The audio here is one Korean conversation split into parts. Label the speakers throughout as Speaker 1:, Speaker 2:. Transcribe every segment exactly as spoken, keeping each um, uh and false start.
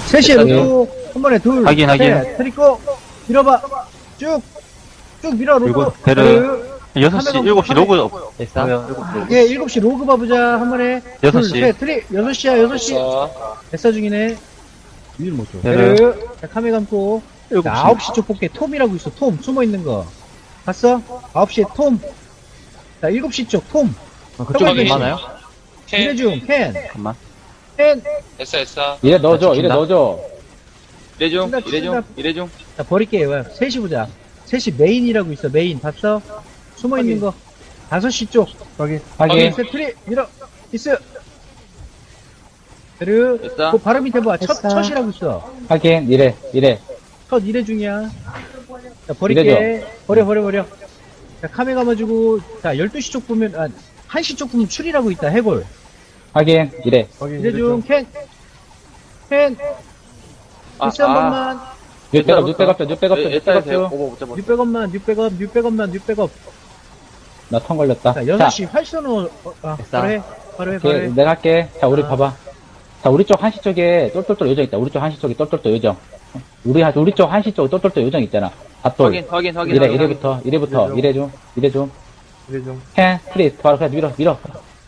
Speaker 1: 셋이 놓고, 한 번에 둘,
Speaker 2: 확인, 확인.
Speaker 1: 셋, 트리코, 밀어봐. 쭉, 쭉 밀어, 로그.
Speaker 2: 그리고 베르. 여섯 시, 일곱 시 로그. 없-
Speaker 3: 됐어?
Speaker 2: 뭐야, 일곱 시 로그.
Speaker 1: 예, 일곱 시 로그 봐보자, 한 번에.
Speaker 2: 여섯
Speaker 1: 둘,
Speaker 2: 시.
Speaker 1: 셋, 트리, 여섯 시야, 여섯 시.
Speaker 3: 됐어.
Speaker 1: 에싸 중이네.
Speaker 4: 위를 못 줘.
Speaker 2: 베르.
Speaker 1: 베르. 자, 카메 감고.
Speaker 2: 일곱
Speaker 1: 자,
Speaker 2: 시.
Speaker 1: 아홉 시 쪽 볼게. 톰이라고 있어, 톰. 숨어 있는 거. 봤어? 아홉 시에 톰. 자, 일곱 시 쪽, 톰.
Speaker 4: 아,
Speaker 1: 그쪽에
Speaker 4: 그쪽에
Speaker 1: 계시-
Speaker 2: 많아요?
Speaker 3: 캔.
Speaker 1: 이래중, 캔.
Speaker 2: 잠깐만.
Speaker 1: 캔.
Speaker 3: 됐어, 됐어.
Speaker 5: 이래 넣어줘, 이래
Speaker 2: 친다?
Speaker 5: 넣어줘.
Speaker 3: 이래중,
Speaker 1: 친다,
Speaker 3: 이래중,
Speaker 1: 친다.
Speaker 3: 이래중.
Speaker 1: 자, 버릴게요. 셋이 보자. 셋이 메인이라고 있어, 메인. 봤어? 숨어 있는 거. 다섯 시 쪽.
Speaker 4: 확인.
Speaker 5: 확인.
Speaker 1: 셋, 트리, 밀어. 있어. 베르.
Speaker 3: 됐어.
Speaker 1: 그 바로 밑에 봐. 첫,
Speaker 6: 됐어.
Speaker 1: 첫이라고 있어.
Speaker 5: 확인. 이래, 이래.
Speaker 1: 첫 이래 중이야. 자, 버릴게. 버려, 버려, 버려. 자, 카메 감아주고. 자, 열두 시 쪽 보면, 아, 한 시 쪽 보면 출이라고 있다, 해골.
Speaker 5: 확인. 이래.
Speaker 4: 확인.
Speaker 1: 이래 중, 캔. 캔.
Speaker 3: 아,
Speaker 1: 있어, 한
Speaker 3: 아.
Speaker 1: 번만.
Speaker 5: 뉴백업, 뉴백업, 뉴백업,
Speaker 3: 에스아이 돼.
Speaker 5: 뉴백업.
Speaker 3: 오버 못 잡아.
Speaker 1: 육백원만, 육백원, 육백원만, 육백원.
Speaker 5: 나턴 걸렸다.
Speaker 1: 자, 여섯 시 활선호, 어, 아,
Speaker 3: 됐어.
Speaker 1: 바로 해. 바로 해, 바로
Speaker 5: 오케이,
Speaker 1: 해.
Speaker 5: 내가 할게. 자, 우리
Speaker 1: 아.
Speaker 5: 봐봐. 자, 우리 쪽 한시 쪽에 똘똘똘 요정 있다. 우리 쪽 한시 쪽에 똘똘똘 요정. 우리, 하- 우리 쪽 한시 쪽에 똘똘똘 요정 있잖아. 밭돌.
Speaker 3: 확인, 확인, 확인.
Speaker 5: 이래,
Speaker 3: 확인,
Speaker 5: 이래부터, 이래부터,
Speaker 4: 이래 좀.
Speaker 5: 이래 좀, 이래 좀.
Speaker 4: 이래 좀.
Speaker 5: 캔, 프리, 바로 그냥 밀어, 밀어.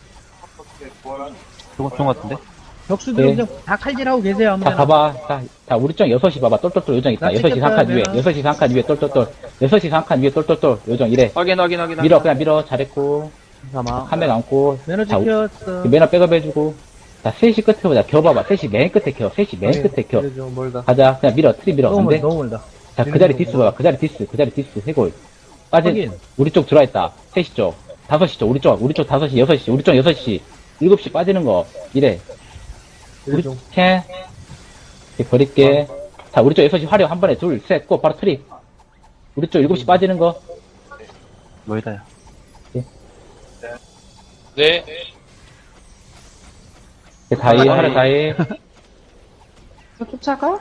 Speaker 2: 좋은, 좋은 것 같은데?
Speaker 1: 격수들
Speaker 5: 네.
Speaker 1: 그냥 다 칼질하고 계세요,
Speaker 5: 자,
Speaker 1: 아무데나.
Speaker 5: 봐봐. 자, 자, 우리 쪽 여섯 시 봐봐. 똘똘똘 요정 있다.
Speaker 1: 나
Speaker 5: 여섯 시
Speaker 1: 찍겠다,
Speaker 5: 한 칸 위에,
Speaker 1: 내가.
Speaker 5: 여섯 시 한 칸 위에 똘똘똘. 여섯 시 한 칸 위에 똘똘똘 요정 이래.
Speaker 3: 확인, 확인, 확인.
Speaker 5: 밀어, 그냥 밀어. 잘했고.
Speaker 2: 사망.
Speaker 5: 카메라 안고.
Speaker 1: 매너
Speaker 5: 자, 우-
Speaker 1: 지켰어.
Speaker 5: 그 매너 백업 해주고. 자, 셋이 끝에 보자. 겨 봐봐. 셋이 맨 끝에 켜. 셋이 맨
Speaker 4: 확인.
Speaker 5: 끝에 켜.
Speaker 4: 이래 좀 멀다.
Speaker 5: 가자. 그냥 밀어. 트리 밀어.
Speaker 1: 너무
Speaker 5: 근데.
Speaker 1: 멀다, 너무 멀다.
Speaker 5: 자, 그 자리 디스 봐봐. 그 자리 디스. 그 자리 디스. 해골. 빠진.
Speaker 1: 확인.
Speaker 5: 우리 쪽 들어와 있다. 셋이 쪽. 다섯 시 쪽. 우리 쪽. 우리 쪽 다섯 시, 여섯 시. 우리 쪽 여섯 시. 일곱 시 빠지는 거. 이래.
Speaker 4: 이래
Speaker 5: 우리
Speaker 4: 좀.
Speaker 5: 캔. 이렇게 버릴게. 자, 우리 쪽 여섯 시 화력 한 번에 둘, 셋, 고, 바로 트리. 우리 쪽 일곱 시 빠지는 거.
Speaker 2: 멀다, 야.
Speaker 3: 네.
Speaker 5: 이렇게 다이,
Speaker 3: 아,
Speaker 5: 화력
Speaker 3: 예.
Speaker 5: 다이.
Speaker 6: 저 쫓아가?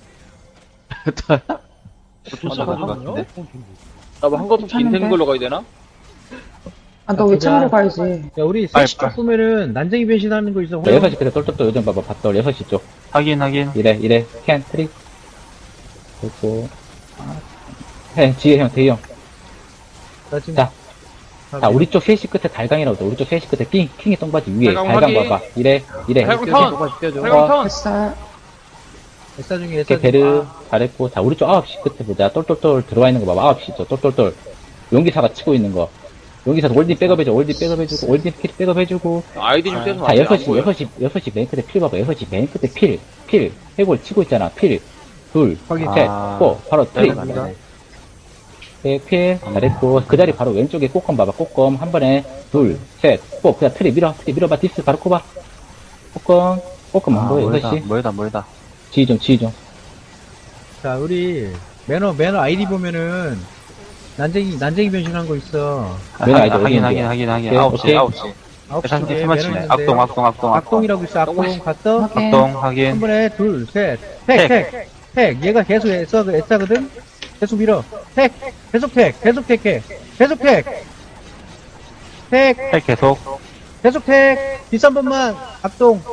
Speaker 3: 쫓아가는 것
Speaker 1: 같은데?
Speaker 3: 나뭐 한 것도
Speaker 6: 괜찮은데?
Speaker 3: 빈태는 걸로 가야 되나?
Speaker 6: 아, 너 왜
Speaker 1: 보자.
Speaker 6: 참으로 가야지.
Speaker 1: 야, 우리
Speaker 2: 빨리,
Speaker 1: 셋시 쪽
Speaker 2: 빨리.
Speaker 1: 보면은 난쟁이 변신하는 거 있어.
Speaker 5: 자, 여섯 시 끝에 똘똘똘 요정 봐봐. 밭돌 여섯 시 쪽.
Speaker 2: 확인, 확인.
Speaker 5: 이래, 이래. 캔, 트리. 그리고. 해, 지혜 형, 대희 형.
Speaker 1: 나 지금
Speaker 5: 자, 자, 우리 쪽 셋 시 끝에 달강이라고 돼. 우리 쪽 셋 시 끝에 킹, 킹이 똥바지 위에.
Speaker 3: 달강
Speaker 5: 달강
Speaker 3: 확인.
Speaker 5: 봐봐. 이래, 이래.
Speaker 3: 달강
Speaker 5: 이렇게
Speaker 3: 턴! 달강 턴!
Speaker 6: 됐어.
Speaker 1: 에싸 중에 에싸
Speaker 5: 이렇게
Speaker 1: 중에.
Speaker 5: 베르 잘했고. 자, 우리 쪽 아홉 시 끝에 보자. 똘똘똘 들어와 있는 거 봐봐. 아홉 시 쪽. 똘똘똘. 용기사가 치고 있는 거. 용기사 월딩 백업해줘. 월딩 백업해주고. 월딩 필 백업해주고.
Speaker 3: 아이디 좀 떼서
Speaker 5: 자, 여섯 시, 여섯 시, 여섯 시 맨 끝에 필 봐봐. 여섯 시 맨 끝에 필, 필. 해골 치고 있잖아. 필. 둘,
Speaker 1: 확인.
Speaker 5: 셋,
Speaker 2: 아.
Speaker 5: 고. 바로 트리.
Speaker 2: 내려갑니다.
Speaker 5: 네, 필. 잘했고. 그 자리 바로 왼쪽에 꼬검 봐봐. 꼬검. 한 번에 둘, 셋, 고. 그냥 트리 밀어. 트리 밀어봐. 디스 바로 꼽아. 꼬검. 꼬검
Speaker 2: 아,
Speaker 5: 한 거야.
Speaker 2: 멀다,
Speaker 5: 여섯 시.
Speaker 2: 멀다, 멀다.
Speaker 5: 지휘 좀, 지휘 좀.
Speaker 1: 자, 우리 매너, 매너 아이디 보면은 난쟁이, 난쟁이 변신한 거 있어.
Speaker 2: 아,
Speaker 5: 매너
Speaker 2: 확인,
Speaker 5: 아이디
Speaker 2: 확인,
Speaker 5: 어디
Speaker 2: 확인,
Speaker 5: 있는데요?
Speaker 2: 확인, 확인.
Speaker 5: 오케이,
Speaker 2: 아홉 시,
Speaker 5: 오케이.
Speaker 2: 아홉 시.
Speaker 1: 아홉 시
Speaker 2: 삼십
Speaker 1: 쪽에
Speaker 2: 삼만
Speaker 1: 매너
Speaker 2: 치네.
Speaker 1: 있는데.
Speaker 2: 악동, 악동, 악동, 악동.
Speaker 1: 악동이라고 있어, 악동. 갔어?
Speaker 6: 확인.
Speaker 2: 악동,
Speaker 1: 한
Speaker 2: 확인.
Speaker 1: 번에 둘, 셋, 택, 택, 택. 얘가 계속 애써, 애써거든? 계속 밀어. 택, 계속 택, 계속 택, 해. 계속 택. 택,
Speaker 2: 핵 계속.
Speaker 1: 계속 택. 뒷한 번만, 악동.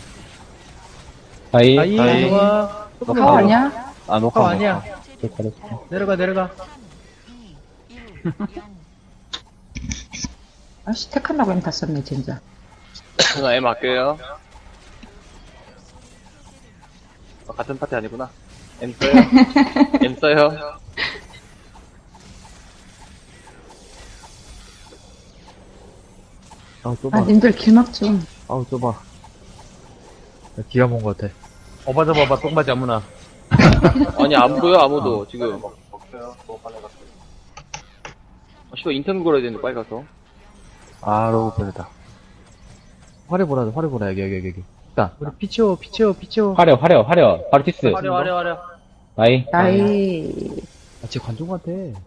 Speaker 5: 다이.
Speaker 1: 아이,
Speaker 2: 다이.
Speaker 1: 좋아. 조금만
Speaker 6: 카오
Speaker 1: 더.
Speaker 6: 아니야?
Speaker 2: 아, 녹화.
Speaker 1: 카오 아니야.
Speaker 5: 네, 잘했어.
Speaker 1: 내려가, 내려가.
Speaker 6: 아씨, 택한다고 하면 다 썼네, 진짜.
Speaker 3: 나 M 할게요. 어, 같은 파티 아니구나. M 써요. M 써요.
Speaker 4: 아, 좁아.
Speaker 6: 아, 님들 길막 좀.
Speaker 4: 아우, 좁아. 야, 기가 먼 것 같아. 어봐, 저 봐봐, 똥바지 아무나.
Speaker 3: 아니, 안 보여, 아무도, 지금. 아, 씨발, 인터뷰 걸어야 되는데, 빨리 가서.
Speaker 2: 아, 로고 버렸다.
Speaker 4: 화려 보라, 화려 보라, 여기, 여기, 여기. 여기. 자,
Speaker 1: 우리 피치오, 피치오, 피치오.
Speaker 5: 화려, 화려, 화려. 바로 디스.
Speaker 3: 화려, 화려, 화려.
Speaker 5: 다이.
Speaker 6: 나이.
Speaker 4: 아, 쟤 관종 같아.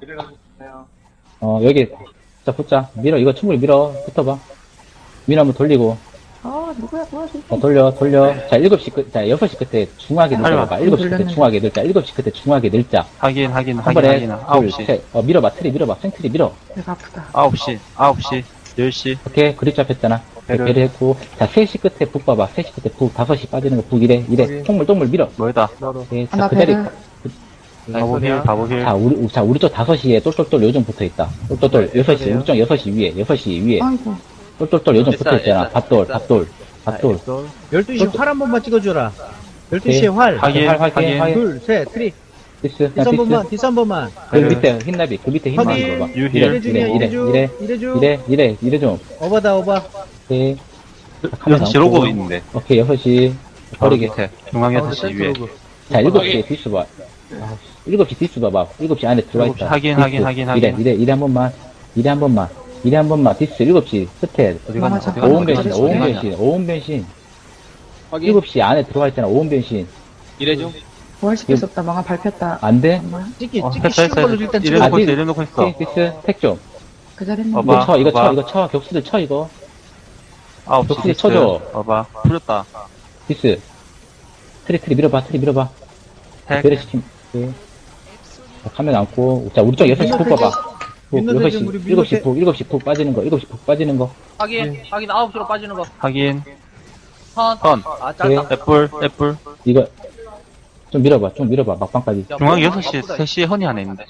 Speaker 5: 어, 여기. 자, 붙자. 밀어. 이거 충분히 밀어. 붙어봐. 밀어 한번 돌리고.
Speaker 6: 아, 누구야, 누구야,
Speaker 5: 자,
Speaker 6: 진짜.
Speaker 5: 돌려, 돌려. 자, 일곱 시 끝, 자, 여섯 시 끝에 중하게
Speaker 2: 할마.
Speaker 5: 늘자. 일곱 시 끝에
Speaker 6: 돌렸네.
Speaker 5: 중하게 늘자. 일곱 시 끝에 중하게 늘자.
Speaker 2: 확인, 확인,
Speaker 5: 한
Speaker 2: 확인,
Speaker 5: 번에,
Speaker 2: 확인.
Speaker 5: 둘,
Speaker 2: 아홉 시.
Speaker 5: 셋. 어, 밀어봐. 트리 밀어봐. 생트리 밀어.
Speaker 6: 배가 아프다.
Speaker 2: 아홉 시, 아홉 시, 열 시.
Speaker 5: 오케이. 그립 잡혔잖아.
Speaker 2: 배를.
Speaker 5: 배를 했고, 자, 세 시 끝에 북 봐봐. 세 시 끝에 북, 다섯 시 빠지는 거 북 이래, 이래. 똥물, 똥물 밀어.
Speaker 2: 뭐이다.
Speaker 5: 예,
Speaker 6: 하나
Speaker 5: 자, 그 자리,
Speaker 6: 배를.
Speaker 2: 바보길, 바보길.
Speaker 5: 자, 우리, 자, 우리 쪽 다섯 시에 똘똘똘 요정 붙어 있다. 똘똘똘, 여섯 시, 우리 쪽 여섯 시 위에, 여섯 시 위에.
Speaker 6: 아이고.
Speaker 5: 똘똘똘 요정
Speaker 3: 됐어,
Speaker 5: 붙어 있잖아.
Speaker 3: 됐어,
Speaker 5: 밭돌,
Speaker 3: 됐어.
Speaker 5: 밭돌, 밭돌.
Speaker 1: 열두 시 활 한 번만 찍어줘라. 열두 시에 활.
Speaker 2: 확인,
Speaker 5: 활, 확인,
Speaker 2: 확인.
Speaker 5: 확인.
Speaker 1: 둘, 셋, 트리.
Speaker 5: 디스,
Speaker 1: 디스
Speaker 5: 그냥
Speaker 1: 한 번만,
Speaker 5: 디스.
Speaker 1: 디스 한 번만.
Speaker 5: 그 밑에 흰나비, 그 밑에 흰나비
Speaker 1: 확인.
Speaker 5: 봐봐.
Speaker 2: 유힐.
Speaker 5: 이래,
Speaker 1: 이래 중이야,
Speaker 5: 이래,
Speaker 1: 이래 중.
Speaker 5: 이래,
Speaker 1: 이래 중.
Speaker 5: 이래, 이래, 이래 좀.
Speaker 1: 어바다, 어바.
Speaker 5: 오케이.
Speaker 2: 여섯 시 로고 있는데.
Speaker 5: 오케이, 여섯 시.
Speaker 2: 바로
Speaker 5: 버리게.
Speaker 2: 밑에. 중앙 여섯 시 위에.
Speaker 5: 자, 일곱 시에 디스 봐. 아, 일곱 시 디스 봐봐. 일곱 시 안에 들어와 있다.
Speaker 2: 확인,
Speaker 5: 디스.
Speaker 2: 확인, 확인,
Speaker 5: 이래,
Speaker 2: 확인.
Speaker 5: 이래, 이래 한 번만. 이래 한 번만. 이래 한 번만. 디스 일곱 시 끝에.
Speaker 2: 어디 가냐,
Speaker 6: 맞아.
Speaker 2: 어디 가냐,
Speaker 5: 오음
Speaker 2: 어디
Speaker 5: 변신,
Speaker 2: 가냐,
Speaker 5: 오음
Speaker 2: 어디 가냐.
Speaker 5: 변신, 오음 변신.
Speaker 3: 확인.
Speaker 5: 일곱 시 안에 들어와 있잖아. 오음 변신.
Speaker 3: 이래 중.
Speaker 6: 부활시킬 수 없다. 망아 밟혔다.
Speaker 5: 안 돼?
Speaker 6: 엄마.
Speaker 1: 찍기,
Speaker 2: 어,
Speaker 1: 찍기
Speaker 2: 했어,
Speaker 1: 쉬운 걸로
Speaker 2: 했어.
Speaker 1: 일단
Speaker 2: 이래
Speaker 1: 찍어.
Speaker 2: 놓고 있어,
Speaker 5: 아직-
Speaker 2: 이래 놓고 있어.
Speaker 5: 오케이, 디스. 택 좀.
Speaker 6: 그 자리는
Speaker 2: 어봐.
Speaker 5: 이거 쳐, 이거 쳐,
Speaker 2: 봐봐.
Speaker 5: 이거 쳐. 격수들 쳐, 이거.
Speaker 2: 아홉 시
Speaker 5: 독수리
Speaker 2: 디스.
Speaker 5: 쳐줘.
Speaker 2: 봐봐. 풀렸다.
Speaker 5: 디스. 트리, 트리 밀어봐, 트리 밀어봐.
Speaker 2: 택.
Speaker 5: 배려 시킴. 오케이. 자, 카메라 안고. 자, 우리 쪽 여섯 시 푹 봐봐. 푹,
Speaker 1: 민노
Speaker 5: 여섯 시,
Speaker 1: 대전 우리 민노
Speaker 5: 일곱 시
Speaker 1: 대-
Speaker 5: 푹, 일곱 시 푹 빠지는 거, 일곱 시 푹 빠지는 거.
Speaker 7: 확인, 확인, 아홉 시로 빠지는 거.
Speaker 2: 확인.
Speaker 7: 턴.
Speaker 2: 턴.
Speaker 7: 아,
Speaker 5: 오케이.
Speaker 7: 짧다.
Speaker 2: 애플, 애플.
Speaker 5: 이거, 좀 밀어봐, 좀 밀어봐, 막방까지.
Speaker 7: 야,
Speaker 2: 중앙
Speaker 7: 뭐,
Speaker 2: 여섯 시,
Speaker 7: 바쁘다,
Speaker 2: 세 시에 허니 안에 있는데.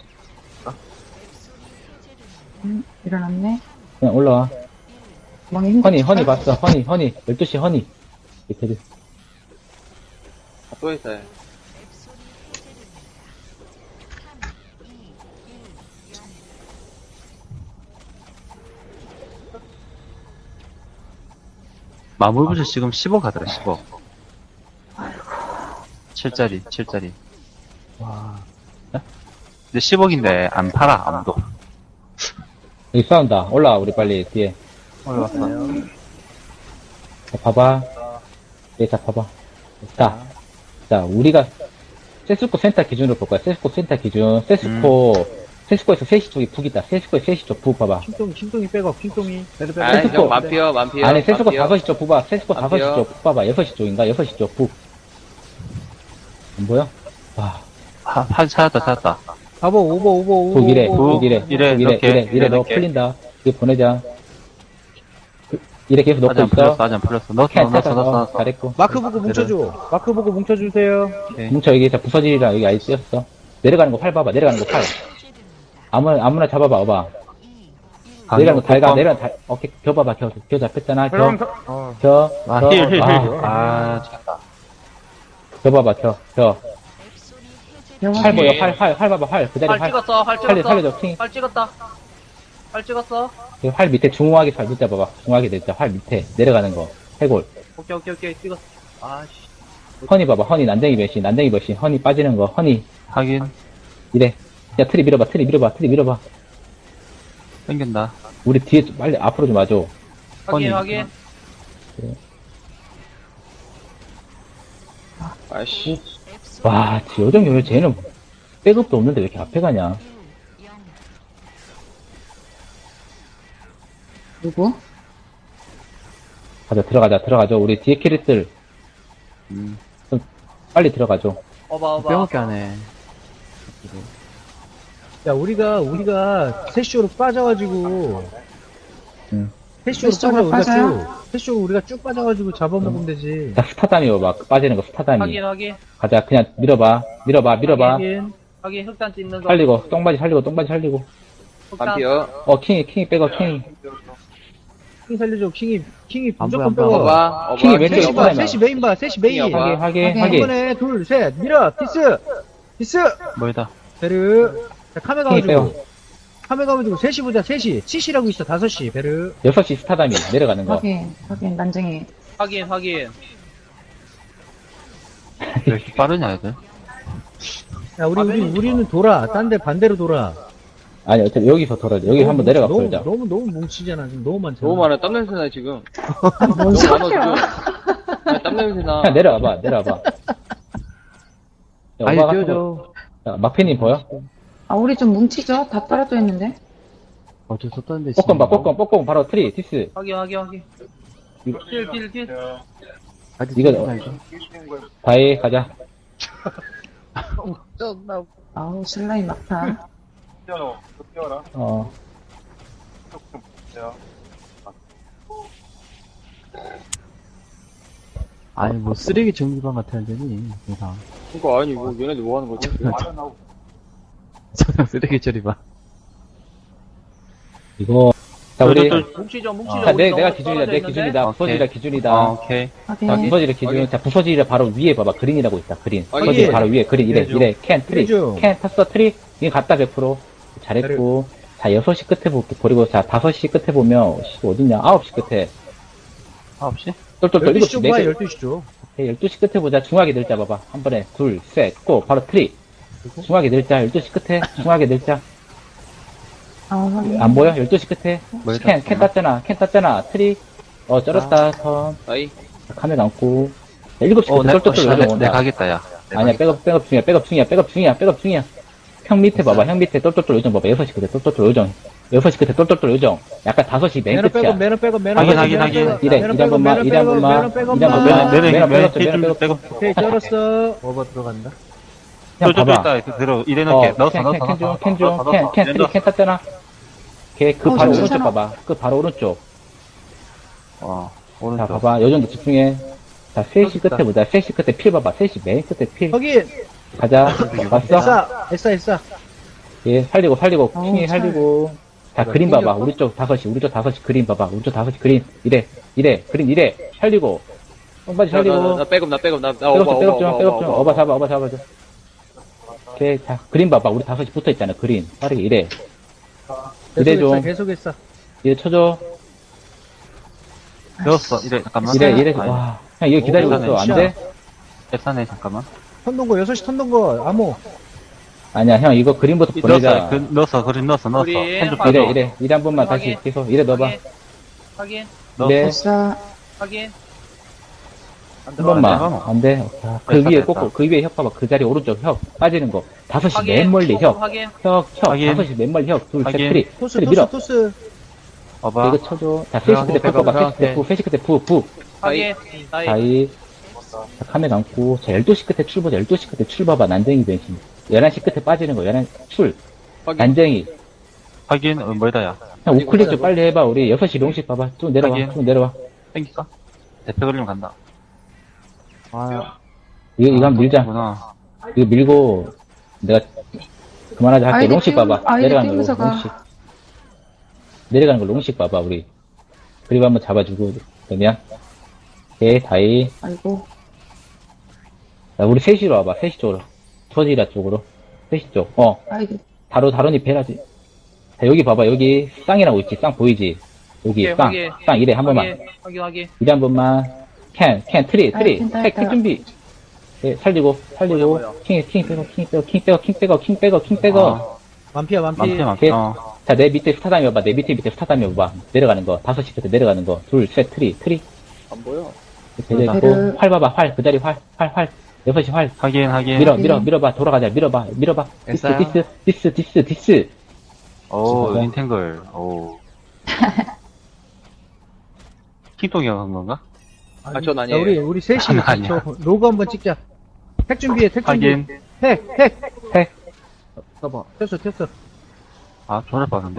Speaker 6: 음, 일어났네.
Speaker 5: 그냥 올라와.
Speaker 6: 멍이 힘
Speaker 5: 허니, 허니 봤어, 허니, 허니. 열두 시 허니. 이렇게.
Speaker 3: 아, 또 있어요.
Speaker 2: 마물부지 지금 십억 하더라, 십억. 칠짜리, 칠짜리. 근데 십억인데 안 팔아, 아무도.
Speaker 5: 여기 싸운다. 올라와, 우리 빨리, 뒤에.
Speaker 2: 올라왔어.
Speaker 5: 자, 봐봐. 예, 자, 봐봐. 자, 자, 우리가, 세스코 센터 기준으로 볼 거야. 세스코 센터 기준. 세스코, 세스코에서 세 시 쪽이 북 있다. 세스코에 세 시 쪽 북 봐봐.
Speaker 1: 킹똥이, 킹똥이 백업, 킹똥이. 배를 빼고.
Speaker 3: 아이,
Speaker 5: 세스코.
Speaker 3: 형, 만피어, 만피어.
Speaker 5: 아니, 세스코
Speaker 3: 만피어.
Speaker 5: 다섯 시 쪽 북 봐. 세스코
Speaker 3: 안
Speaker 5: 다섯 시
Speaker 3: 돼요.
Speaker 5: 쪽 북 봐봐. 여섯 시 쪽인가? 여섯 시 쪽 북. 안 보여? 와,
Speaker 2: 한, 한, 찾았다, 찾았다.
Speaker 1: 가보, 오버, 오버, 오버.
Speaker 5: 북 이래,
Speaker 1: 오버.
Speaker 5: 북 이래,
Speaker 2: 이래,
Speaker 5: 북 이래,
Speaker 2: 이렇게,
Speaker 5: 이래, 이래, 너
Speaker 2: 이렇게.
Speaker 5: 풀린다. 이거 보내자. 그, 이래 계속
Speaker 2: 아직
Speaker 5: 넣고
Speaker 2: 안 풀렸어,
Speaker 5: 있어.
Speaker 2: 아직 안 풀렸어. 넣었어,
Speaker 5: 캔
Speaker 2: 넣었어,
Speaker 5: 찾아서
Speaker 2: 넣었어, 넣었어.
Speaker 5: 잘했고.
Speaker 1: 마크 보고 뭉쳐줘. 마크 보고 뭉쳐주세요.
Speaker 2: 오케이.
Speaker 5: 뭉쳐, 여기, 자, 부서지리라, 여기 아예 띄었어. 내려가는 거 팔 봐봐, 내려가는 거 팔. 아무나, 아무나 잡아봐, 봐봐.
Speaker 2: 아,
Speaker 5: 내려가는 거 달가,
Speaker 2: 뚜껑.
Speaker 5: 내려가는 달, 오케이, 겨 봐봐, 겨, 겨 잡혔잖아, 겨,
Speaker 1: 어.
Speaker 5: 겨,
Speaker 2: 아,
Speaker 5: 겨,
Speaker 2: 힐, 힐, 힐.
Speaker 5: 아,
Speaker 2: 아, 찾았다.
Speaker 5: 겨 봐봐, 겨, 겨.
Speaker 6: 영화.
Speaker 5: 활 보여, 활, 활, 활 봐봐, 활. 그 자리
Speaker 7: 활
Speaker 5: 활.
Speaker 7: 찍었어, 활
Speaker 5: 살려,
Speaker 7: 찍었어.
Speaker 5: 살려줘, 킹.
Speaker 7: 활 찍었다. 활 찍었어.
Speaker 5: 그 활 밑에 중후하게 잘 밑에 봐봐. 중후하게 됐다. 활 밑에 내려가는 거. 해골.
Speaker 7: 오케이, 오케이, 오케이. 찍었어. 아씨.
Speaker 5: 허니 봐봐. 허니 난쟁이 배신. 난쟁이 배신. 허니 빠지는 거. 허니.
Speaker 2: 확인.
Speaker 5: 이래. 야, 트리 밀어봐. 트리 밀어봐. 트리 밀어봐.
Speaker 2: 땡긴다.
Speaker 5: 우리 뒤에 좀 빨리 앞으로 좀 와줘.
Speaker 7: 확인,
Speaker 2: 허니.
Speaker 7: 확인.
Speaker 3: 아이씨.
Speaker 5: 와, 요정 요요 쟤는 백업도 없는데 왜 이렇게 앞에 가냐.
Speaker 6: 누구?
Speaker 5: 가자, 들어가자, 들어가죠. 우리 뒤에 캐릭들
Speaker 2: 음.
Speaker 5: 빨리 들어가죠.
Speaker 7: 어봐, 어봐.
Speaker 2: 빼먹게 하네.
Speaker 1: 야, 우리가, 우리가 세쇼로 빠져가지고.
Speaker 5: 응.
Speaker 1: 세쇼로
Speaker 6: 세쇼로
Speaker 1: 빠져, 우리가
Speaker 6: 빠져요?
Speaker 1: 쭉. 세쇼로 우리가 쭉 빠져가지고 잡아먹으면 되지.
Speaker 5: 자, 스타담이 봐봐. 빠지는 거 스타담이.
Speaker 7: 확인, 확인.
Speaker 5: 가자, 그냥 밀어봐. 밀어봐, 밀어봐.
Speaker 1: 하긴.
Speaker 7: 확인, 흑단 찍는 거.
Speaker 5: 살리고, 똥바지 살리고, 똥바지 살리고.
Speaker 7: 흑단.
Speaker 3: 만피어.
Speaker 5: 어, 킹이, 킹이 백업, 킹이.
Speaker 1: 킹 살려줘, 킹이, 킹이
Speaker 2: 안
Speaker 1: 무조건
Speaker 2: 보여, 안
Speaker 1: 빼고.
Speaker 3: 어바, 어바.
Speaker 5: 킹이 왼쪽에
Speaker 1: 셋이 봐,
Speaker 5: 빠지면.
Speaker 1: 셋이 메인 봐, 셋이 메인.
Speaker 3: 킹이 어바.
Speaker 5: 하게, 하게,
Speaker 6: 오케이.
Speaker 5: 하게.
Speaker 1: 이번에 둘, 셋, 밀어, 디스, 디스,
Speaker 2: 뭐이다.
Speaker 1: 베르. 자, 카메
Speaker 5: 킹이
Speaker 1: 가가지고.
Speaker 5: 빼고.
Speaker 1: 카메 가가지고 셋이 보자, 셋이. 칠시라고 있어, 다섯 시, 베르.
Speaker 5: 여섯 시 스타담이 내려가는 거.
Speaker 6: 확인, 확인, 난쟁이.
Speaker 7: 확인, 확인.
Speaker 2: 왜 이렇게 빠르냐, 애들?
Speaker 1: 야, 우리, 우리, 우리는 돌아. 딴 데 반대로 돌아.
Speaker 5: 아니, 어차피 여기서 돌아야 돼. 여기
Speaker 1: 너무
Speaker 5: 한번 내려가
Speaker 1: 너무,
Speaker 5: 보자.
Speaker 1: 너무, 너무 뭉치잖아. 지금 너무 많잖아.
Speaker 3: 너무 많아. 땀 냄새 나, 지금.
Speaker 6: 뭔
Speaker 3: 너무 많아,
Speaker 6: 소리야?
Speaker 3: 지금. 야, 땀 냄새 나.
Speaker 5: 그냥 내려와봐, 내려와봐. 야,
Speaker 2: 아니,
Speaker 5: 오바 같은
Speaker 2: 띄워줘.
Speaker 5: 거. 야, 막패님 보여?
Speaker 6: 아, 우리 좀 뭉치죠? 다 떨어져 있는데?
Speaker 2: 어쩔 수 없다는데,
Speaker 5: 뽀꼼 봐, 뽀꼼, 뽀꼼, 바로 트리, 티스.
Speaker 7: 확인, 확인, 확인.
Speaker 5: 이거-
Speaker 7: 딜, 딜, 딜.
Speaker 5: 이거, 다해, 가자.
Speaker 6: 아우, 슬라임 막타.
Speaker 5: 어.
Speaker 2: 아니, 뭐, 쓰레기 정리방 같아야 되니, 세상.
Speaker 3: 그니까, 아니, 뭐, 얘네들 뭐 하는 거지?
Speaker 2: 저냥 쓰레기 처리방.
Speaker 5: 이거, 자, 우리,
Speaker 7: 뭉치죠, 뭉치죠.
Speaker 5: 자,
Speaker 7: 우리
Speaker 5: 내,
Speaker 7: 너무
Speaker 5: 내가 기준이다,
Speaker 7: 떨어져
Speaker 5: 내
Speaker 7: 있는데?
Speaker 5: 기준이다,
Speaker 2: 오케이.
Speaker 5: 부서지라 기준이다.
Speaker 2: 아, 오케이.
Speaker 5: 자,
Speaker 6: 확인.
Speaker 5: 부서지라 기준. 자, 부서지라 바로 위에 봐봐. 그린이라고 있다, 그린.
Speaker 3: 확인.
Speaker 5: 부서지라 바로 위에, 그린, 이래,
Speaker 1: 그래줘.
Speaker 5: 이래. 캔, 트리.
Speaker 1: 그래줘.
Speaker 5: 캔, 탔어, 트리. 이거 갔다, 백 퍼센트. 잘했고. 자, 여섯 시 끝에 볼게. 버리고, 자, 다섯 시 끝에 보면, 씨, 어딨냐? 아홉 시 끝에.
Speaker 2: 아홉 시?
Speaker 5: 똘똘똘,
Speaker 1: 열두
Speaker 5: 일곱
Speaker 1: 시
Speaker 5: 시,
Speaker 1: 쪽
Speaker 5: 네
Speaker 1: 봐,
Speaker 5: 개.
Speaker 1: 열두 시 쪽.
Speaker 5: 열두 시 끝에 보자. 중하게 늘자 봐봐. 한 번에. 둘, 셋, 고. 바로 트리. 중하게 늘자. 열두 시 끝에. 중하게 늘자.
Speaker 6: 아, 확인.
Speaker 5: 안 보여? 열두 시 끝에.
Speaker 2: 뭐야,
Speaker 5: 캔, 캔 땄잖아. 캔 땄잖아. 트리. 어, 쩔었다. 선.
Speaker 3: 아이,
Speaker 5: 카메라 감고. 일곱 시
Speaker 2: 어,
Speaker 5: 끝에
Speaker 2: 내, 어,
Speaker 5: 똘똘똘
Speaker 2: 씨,
Speaker 5: 요정
Speaker 2: 내, 내
Speaker 5: 온다.
Speaker 2: 가겠다, 야. 내
Speaker 5: 아니야,
Speaker 2: 가겠다.
Speaker 5: 백업, 백업 중이야, 백업 중이야, 백업 중이야, 백업 중이야. 형 밑에 봐봐, 형 밑에 똘똘똘 요정 봐봐, 여섯 시 끝에 똘똘똘 요정. 여섯 시 끝에 똘똘똘 요정. 약간 다섯 시 맨
Speaker 1: 매너
Speaker 5: 끝이야.
Speaker 1: 빼고, 매너 빼고, 매너
Speaker 2: 확인,
Speaker 1: 빼고,
Speaker 2: 확인,
Speaker 1: 매너
Speaker 2: 확인.
Speaker 1: 빼고,
Speaker 5: 이래,
Speaker 1: 매너
Speaker 5: 이래 한
Speaker 1: 빼고,
Speaker 5: 번만,
Speaker 1: 매너
Speaker 5: 이래 한
Speaker 1: 빼고,
Speaker 5: 번만,
Speaker 1: 매너 빼고,
Speaker 5: 이래 한
Speaker 1: 엄마.
Speaker 5: 번만.
Speaker 2: 내내,
Speaker 5: 매너
Speaker 2: 내내,
Speaker 5: 빼고, 매너
Speaker 2: 좀
Speaker 5: 빼고.
Speaker 2: 빼고.
Speaker 1: 오케이, 쩔었어.
Speaker 4: 오버 들어간다.
Speaker 5: 형
Speaker 2: 쫄쫄
Speaker 5: 봐봐.
Speaker 2: 있다, 그, 들어, 이래
Speaker 5: 어,
Speaker 2: 놓을게. 넣었어,
Speaker 5: 캔,
Speaker 2: 넣었어,
Speaker 5: 캔, 캔 중,
Speaker 2: 넣었어.
Speaker 5: 캔 중,
Speaker 2: 넣었어,
Speaker 5: 캔,
Speaker 2: 넣었어.
Speaker 5: 캔, 트리, 캔 땄잖아. 걔, 그
Speaker 6: 어,
Speaker 5: 바로
Speaker 6: 진짜나?
Speaker 5: 오른쪽 봐봐. 그 바로 오른쪽.
Speaker 2: 어,
Speaker 5: 자,
Speaker 2: 오른쪽.
Speaker 5: 봐봐. 요 정도 집중해. 자, 세 시 끝에 보자. 세 시 끝에 필 봐봐. 세 시 맨 끝에 필.
Speaker 1: 거기,
Speaker 5: 가자. 왔어?
Speaker 1: 에싸, 에싸, 에싸.
Speaker 5: 예, 살리고, 살리고,
Speaker 6: 어우,
Speaker 5: 킹이
Speaker 6: 잘.
Speaker 5: 살리고. 자, 그림 봐봐. 우리 쪽 다섯 시, 우리 쪽 다섯 시 그림 봐봐. 우리 쪽 다섯 시 그림. 이래, 이래, 그림 이래. 살리고. 똥바지
Speaker 3: 나, 나, 나,
Speaker 5: 살리고.
Speaker 3: 나 백업, 나 백업, 나, 나
Speaker 5: 백업
Speaker 3: 오버,
Speaker 5: 좀, 백업 좀,
Speaker 3: 오버,
Speaker 5: 백업
Speaker 3: 오버,
Speaker 5: 좀.
Speaker 3: 오버.
Speaker 5: 어바 잡아, 어바 잡아줘. 오케이, 자, 그림 봐봐. 우리 다섯 시 붙어 있잖아, 그림. 빠르게 이래. 이래
Speaker 1: 계속
Speaker 5: 좀.
Speaker 1: 했어, 계속 했어.
Speaker 5: 이래 쳐줘.
Speaker 2: 넣었어, 이래, 잠깐만.
Speaker 5: 이래, 이래.
Speaker 2: 아니,
Speaker 5: 와. 형, 이거 기다리고
Speaker 2: 오,
Speaker 5: 있어. 안
Speaker 1: 시야.
Speaker 5: 돼?
Speaker 2: 앱사네, 잠깐만.
Speaker 1: 턴동거, 여섯 시 턴동거, 암호.
Speaker 5: 아니야, 형, 이거 그림부터
Speaker 2: 넣었어,
Speaker 5: 보내자.
Speaker 2: 그, 넣었어, 그림 넣었어, 넣었어.
Speaker 7: 우리
Speaker 2: 핸드
Speaker 7: 확인.
Speaker 5: 이래,
Speaker 2: 빼줘.
Speaker 5: 이래. 이래 한 번만 다시
Speaker 7: 확인.
Speaker 5: 계속. 이래 넣어봐.
Speaker 7: 확인. 확인.
Speaker 2: 넣었어.
Speaker 5: 네.
Speaker 6: 됐어.
Speaker 7: 확인.
Speaker 5: 한 번만.
Speaker 2: 들어가노?
Speaker 5: 안 돼. 자, 그
Speaker 2: 됐다,
Speaker 5: 위에
Speaker 2: 됐다.
Speaker 5: 꼭, 그 위에 혁 봐봐. 그 자리 오른쪽 혁. 빠지는 거. 다섯 시
Speaker 7: 확인.
Speaker 5: 맨 멀리 혁.
Speaker 7: 확인.
Speaker 5: 혁, 혁.
Speaker 2: 확인.
Speaker 5: 다섯 시 맨 멀리 혁. 둘, 셋,
Speaker 2: 확인.
Speaker 5: 트리.
Speaker 1: 토스,
Speaker 5: 트리 밀어.
Speaker 1: 토스, 토스.
Speaker 2: 봐봐.
Speaker 5: 이거 쳐줘. 자, 세 시 끝에 푸 봐봐. 세 시 끝에 푸, 세 시 끝에 푸, 푸.
Speaker 7: 확인. 나이.
Speaker 5: 자이. 자, 카메 감고. 자, 열두 시 끝에 출 보자. 열두 시 끝에 출 봐봐. 난쟁이 변신. 열한 시 끝에 빠지는 거. 열한 출.
Speaker 3: 확인.
Speaker 5: 난쟁이.
Speaker 2: 확인, 어, 뭐다, 야.
Speaker 5: 형, 우클릭 좀 빨리 해봐. 우리 여섯 시 롱식 봐봐. 쭉 내려와.
Speaker 2: 확인.
Speaker 5: 쭉 내려와.
Speaker 2: 땡길까? 대표 그림 간다. 아,
Speaker 5: 이거, 이거 한번 밀자.
Speaker 2: 구나.
Speaker 5: 이거 밀고, 내가 그만하자 할게.
Speaker 6: 아이디
Speaker 5: 롱식
Speaker 6: 띄우-
Speaker 5: 봐봐.
Speaker 6: 아이디
Speaker 5: 내려가는 거
Speaker 6: 띄우면서 가.
Speaker 5: 롱식. 내려가는 거 롱식 봐봐, 우리. 그리고 한번 잡아주고, 그러면. 오케이, 다이.
Speaker 6: 아이고.
Speaker 5: 자, 우리 세 시로 와봐, 세 시 쪽으로. 터지라 쪽으로. 세 시 쪽. 어,
Speaker 6: 아이고.
Speaker 5: 다로, 다로니 배라지. 자, 여기 봐봐, 여기 쌍이라고 있지, 쌍 보이지? 여기
Speaker 7: 오케이,
Speaker 5: 쌍,
Speaker 7: 확인.
Speaker 5: 쌍, 이래, 한 번만.
Speaker 7: 확인. 확인. 확인.
Speaker 5: 이래 한 번만. 캔, 캔, 트리,
Speaker 6: 아,
Speaker 5: 트리.
Speaker 6: 됐다,
Speaker 5: 택,
Speaker 6: 됐다.
Speaker 5: 택 준비. 예, 살리고, 살리고.
Speaker 7: 뭐야, 뭐야.
Speaker 5: 킹, 킹 빼고, 킹 빼고, 킹 빼고, 킹 빼고, 킹 빼고, 킹 빼고.
Speaker 2: 아,
Speaker 1: 만피야, 만피.
Speaker 2: 많대, 많대.
Speaker 5: 오케이.
Speaker 2: 어.
Speaker 5: 자, 내 밑에 스타담이 봐봐. 내 밑에 밑에 스타담이 봐봐. 내려가는 거. 다섯 시 끝에 내려가는 거. 둘, 셋, 트리, 트리.
Speaker 3: 안 보여.
Speaker 5: 배려
Speaker 6: 배를.
Speaker 5: 있고. 활 봐봐, 활. 그 자리 활, 활, 활. 여섯 시 활.
Speaker 2: 확인, 확인.
Speaker 5: 밀어, 밀어, 밀어봐. 돌아가자. 밀어봐, 밀어봐. 디스,
Speaker 2: 됐어요.
Speaker 5: 디스, 디스, 디스, 디스.
Speaker 2: 오,
Speaker 5: 진짜.
Speaker 2: 인탱글. 오. 킹통이 한 건가?
Speaker 3: 아, 전
Speaker 1: 자,
Speaker 3: 아니에요.
Speaker 1: 우리, 우리 셋이
Speaker 2: 아니, 아니야.
Speaker 1: 저 로고 한번 찍자. 택 준비해, 택 준비.
Speaker 2: 확인.
Speaker 1: 택, 택.
Speaker 5: 택.
Speaker 1: 봐봐. 튀었어, 튀었어.
Speaker 2: 아, 전화 빠는데?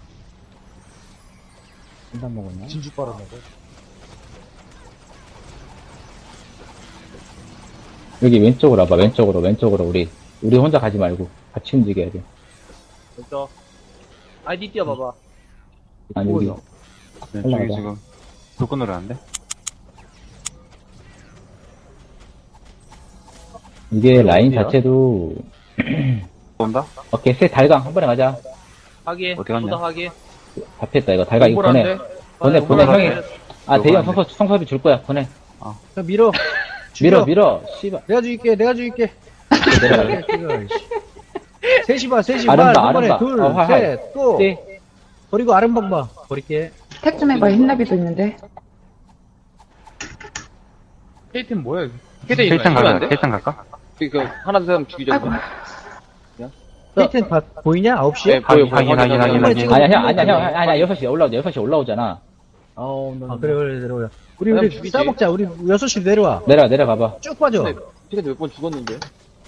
Speaker 5: 한잔 먹었나?
Speaker 4: 진주 빨아먹어.
Speaker 5: 여기 왼쪽으로 와봐. 왼쪽으로, 왼쪽으로. 우리. 우리 혼자 가지 말고. 같이 움직여야 돼.
Speaker 7: 됐어. 아이디 띄워봐봐.
Speaker 5: 아니, 우리.
Speaker 2: 왼쪽에
Speaker 5: 올라가자.
Speaker 2: 지금 불 끊으려 하는데?
Speaker 5: 이게 라인
Speaker 2: 어디야?
Speaker 5: 자체도.
Speaker 2: 온다?
Speaker 5: 오케이, 세 달강. 한 번에 가자.
Speaker 7: 확인.
Speaker 2: 어디 갔냐?
Speaker 7: 보다 확인.
Speaker 5: 잡혔다, 이거. 달강 이거 보내. 보내, 보내,
Speaker 2: 오버라네.
Speaker 5: 형이. 아, 대형
Speaker 2: 오버라네.
Speaker 5: 성서, 성섭이 줄 거야. 보내.
Speaker 1: 자, 밀어.
Speaker 5: 밀어,
Speaker 1: 죽여.
Speaker 5: 밀어. 씨발.
Speaker 1: 내가 죽일게, 내가 죽일게.
Speaker 5: 내려갈래.
Speaker 1: 셋이 봐, 셋이 봐.
Speaker 5: 아름다,
Speaker 1: 한 번에
Speaker 5: 아름다.
Speaker 1: 둘,
Speaker 5: 어, 활, 활.
Speaker 1: 셋, 또.
Speaker 5: 네.
Speaker 1: 버리고 아름방 봐. 버릴게.
Speaker 6: 택 좀 해봐. 흰나비도 있는데.
Speaker 4: 케이트는 뭐야?
Speaker 2: 케이탄
Speaker 3: 안
Speaker 2: 갈까?
Speaker 3: 돼?
Speaker 2: 케이탄 갈까?
Speaker 3: 그, 그 하나 둘 셋 죽이자.
Speaker 6: 아이고.
Speaker 1: 케이튼 다 보이냐? 아홉 시에?
Speaker 3: 네, 보여, 보여.
Speaker 2: 확인, 확인, 확인, 확인.
Speaker 5: 아니야, 형, 아니야, 형, 아니야, 여섯 시에 올라오자, 여섯 시에 올라오잖아.
Speaker 1: 아, 그래, 그래, 내려오자. 우리,
Speaker 3: 그냥
Speaker 1: 우리
Speaker 3: 죽이지.
Speaker 1: 싸먹자. 우리 여섯 시로 내려와.
Speaker 5: 내려가, 내려가봐.
Speaker 1: 쭉 빠져.
Speaker 3: 네. 피가 몇번 죽었는데.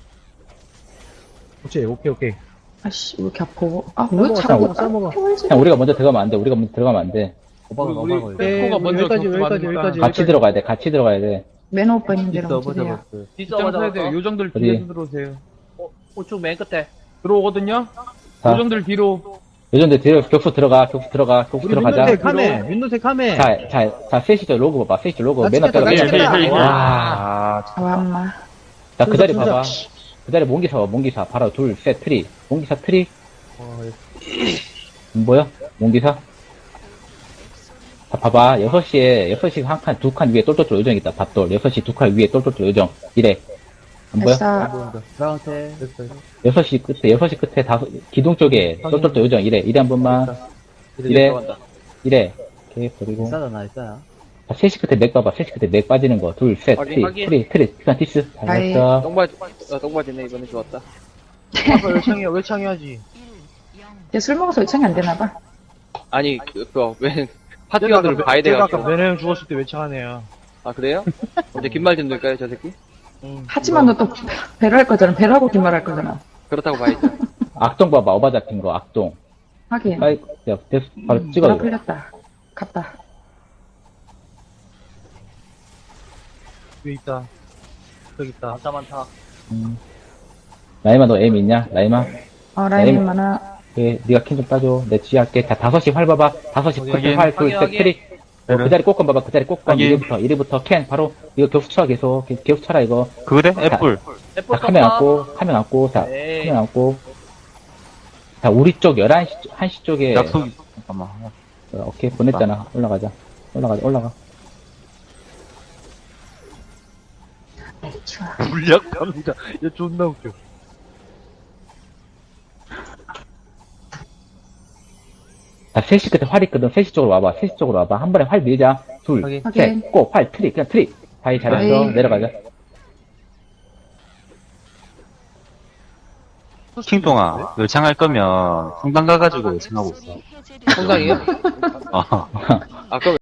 Speaker 1: 오케이, 오케이, 오케이.
Speaker 6: 아씨, 왜 이렇게 아파. 아, 왜
Speaker 1: 싸먹어,
Speaker 6: 자꾸
Speaker 1: 싸먹어, 싸먹어.
Speaker 6: 평을 지
Speaker 5: 형, 우리가 먼저 들어가면 안 돼, 우리가 먼저 들어가면 안 돼.
Speaker 2: 오바가
Speaker 7: 우리-
Speaker 2: 오바가
Speaker 7: 우리-
Speaker 1: 네,
Speaker 7: 코가 먼저
Speaker 1: 여기까지,
Speaker 7: 접수
Speaker 1: 여기까지,
Speaker 7: 받으니까.
Speaker 1: 여기까지.
Speaker 5: 같이 들어가야 돼. 같이 들어가야 돼.
Speaker 6: 매너 오빠 있는 데로
Speaker 2: 있어 오바
Speaker 6: 뭉치세요.
Speaker 2: 잡았어.
Speaker 7: 뒷서
Speaker 4: 입장 서야
Speaker 7: 맞아.
Speaker 4: 돼요. 요정들
Speaker 5: 어디?
Speaker 4: 뒤에서 들어오세요.
Speaker 7: 우측 맨 끝에.
Speaker 4: 들어오거든요?
Speaker 5: 자.
Speaker 4: 요정들 뒤로.
Speaker 5: 요즘들 뒤로 격수 들어가, 격수 들어가, 격수
Speaker 1: 우리
Speaker 5: 들어가자.
Speaker 1: 민노색 카메, 민노색 카메.
Speaker 5: 자, 자, 자, 셋이죠. 로고 봐봐. 셋이죠. 로고.
Speaker 1: 나
Speaker 5: 맨 앞에
Speaker 1: 찍혔다, 나
Speaker 5: 맨 앞에.
Speaker 1: 찍혔다.
Speaker 5: 와.
Speaker 2: 아,
Speaker 6: 와, 엄마.
Speaker 5: 자, 그 자리
Speaker 1: 순서,
Speaker 5: 봐봐.
Speaker 1: 순서.
Speaker 5: 그 자리 몽기사 봐, 몽기사. 바로 둘, 셋, 트리. 몽기사 트리. 안 보여? 몽기사? 자, 봐봐. 여섯 시에, 여섯 시 한 칸, 두 칸 위에 똘똘똘 요정 있다. 밭돌. 여섯 시 두 칸 위에 똘똘똘 요정. 이래. 안 보여?
Speaker 6: 됐어.
Speaker 2: 나한테
Speaker 5: 여섯 시 끝에, 여섯 시 끝에 다섯, 기둥 쪽에 똘똘똘 요정. 이래. 이래 한 번만. 이래.
Speaker 3: 들어간다.
Speaker 5: 이래. 오케이, 버리고.
Speaker 2: 싸다 나 있어야.
Speaker 5: 자, 셋 시 끝에 맥 봐봐. 셋 시 끝에 맥 빠지는 거. 둘, 셋,
Speaker 3: 확인,
Speaker 5: 트리,
Speaker 7: 확인.
Speaker 5: 트리, 트리. 피칸 티스.
Speaker 6: 아이.
Speaker 5: 잘했어.
Speaker 3: 똥바지, 어, 똥바지네. 이번에 좋았다.
Speaker 7: 외창이야, 외창해야지.
Speaker 6: 이제 술 먹어서 요청이 안 되나봐.
Speaker 3: 아니, 그, 그, 왜, 파티원들을 봐야
Speaker 7: 제가 아까
Speaker 3: 돼가지고.
Speaker 7: 매너 형 죽었을 때 외창하네요.
Speaker 3: 아, 그래요? 언제 긴말 좀 넣을까요, 저 새끼?
Speaker 6: 하지만 너 또 배를 할 거잖아. 배를 하고 긴 말 할 거잖아.
Speaker 3: 그렇다고 봐야죠.
Speaker 5: 악동 봐봐. 어바 잡힌 거, 악동.
Speaker 6: 하긴.
Speaker 5: 아이, 야, 됐어. 바로
Speaker 6: 음,
Speaker 5: 찍어,
Speaker 6: 돌아
Speaker 5: 이거.
Speaker 6: 풀렸다. 갔다.
Speaker 7: 여기 있다. 저기 있다.
Speaker 3: 많다, 많다.
Speaker 5: 음. 라이마, 너 M 있냐? 라이마?
Speaker 6: 어, 라임이
Speaker 5: 라임.
Speaker 6: 많아.
Speaker 5: 그, 니가 캔 좀 따줘. 내 지휘할게. 자, 다섯 시 활 봐봐. 다섯 시
Speaker 7: 확인,
Speaker 5: 활, 둘,
Speaker 7: 확인,
Speaker 5: 셋,
Speaker 7: 확인.
Speaker 5: 트리. 어, 그 자리 꽃건 봐봐. 그 자리 꽃건. 이리부터, 이리부터 캔. 바로, 이거 격수 쳐, 계속. 계- 격수 쳐라, 이거.
Speaker 8: 그래?
Speaker 5: 자,
Speaker 8: 애플.
Speaker 7: 애플
Speaker 5: 자, 카메라
Speaker 7: 떴다.
Speaker 5: 안고, 카메라 안고, 자,
Speaker 7: 네.
Speaker 5: 카메라 안고. 자, 우리 쪽 열한 시, 한 시 쪽에.
Speaker 8: 약속, 잠깐만.
Speaker 5: 어, 오케이, 보냈잖아. 올라가자. 올라가자, 올라가.
Speaker 6: 좋아.
Speaker 7: 물약 갑니다. 얘 존나 웃겨.
Speaker 5: 자, 세 시 끝에 활 있거든. 세 시 쪽으로 와봐. 세 시 쪽으로 와봐. 한 번에 활 밀자. 둘,
Speaker 7: 확인.
Speaker 5: 셋,
Speaker 6: 확인.
Speaker 5: 꼭, 활, 트리. 그냥 트리. 다이 잘했어.
Speaker 6: 아이.
Speaker 5: 내려가자.
Speaker 8: 킹동아, 열창할 거면 성당 가가지고 열창하고 있어.
Speaker 7: 성당이요?
Speaker 8: 어.
Speaker 3: 아, 그럼